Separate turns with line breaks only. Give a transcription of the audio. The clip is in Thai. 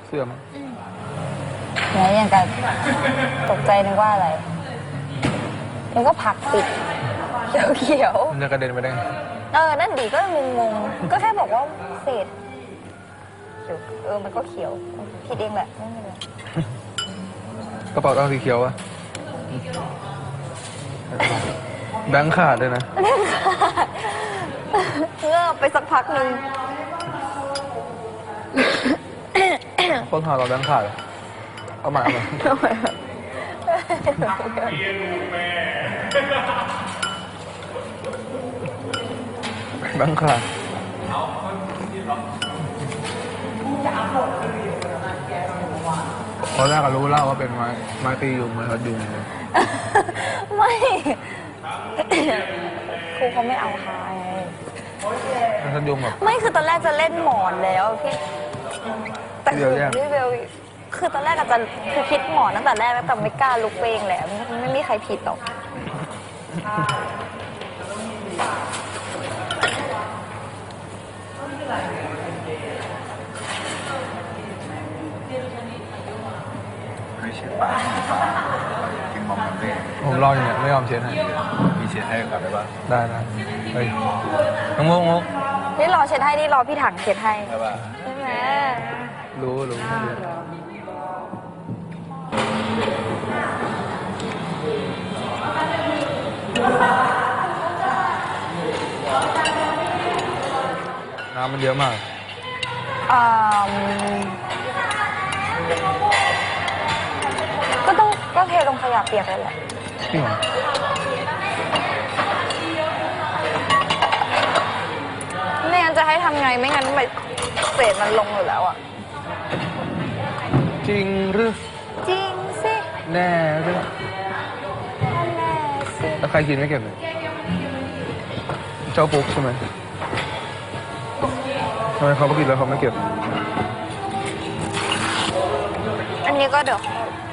เสื่อม
ไหนอย่างกันตกใจนึกว่าอะไรมันก็ผักติดเขียว
มันจะกระเด็นไปได้ไง
นั่นดีก็งงก็แค่บอกว่าเศษเขียวมันก็เขียวผิดเองแหละไม่เป็นไร
กระเป๋าตังค์สีเขียวอะแบงค์ขาดเลยนะ
เงือบไปสักพักหนึ่ง
คนหาเราแบงค์ขาดอะเอาใหม่แบงค์ขาดตอนแรกก็รู้แล้วว่าเป็นไม้ตียุงไม้พัดยุงเลย
ไม่ ครูเขาไม่เอาค่ะ
ไม้พัดยุงแบบ
ไม่คือตอนแรกจะเล่นหมอนแล้วพี่แต่
เดี๋ยวแยก
พี่เบลคือตอนแรกอาจจะคือคิดหมอนตั้งแต่แรกแล้วแต่ไม่กล้าลุกเองแหละไม่มีใครผิดหรอก
ไม่เช็ดปากกินมอมกันเล่
ผมรออยู่เนี่ยไม่ยอมเช็ดให้
มีเช็ดให้ก่อนได้ปะ
ได้เฮ้ยน้องมุกมุก
นี่รอเช็ดให้นี่รอพี่ถังเช็ดให้
ได้ปะ
ใช่ไหม
รู้น้ำมันเยอะมาก
ก็เทลงขยะเปียกเลยแหละ
จริงเหรอ
ไม่งั้นจะให้ทำไงไม่งั้นเศษมันลงอยู่แล้วอ่ะ
จริงหรือ
จริงสิ
แน่หรือ
แน่สิ
แล้วใครกินไม่เก็บเลยเจ้าปุ๊กใช่ไหมทำไมเขาไม่กินแล้วเขาไม่เก็บ
อันนี้ก็เดี๋ยว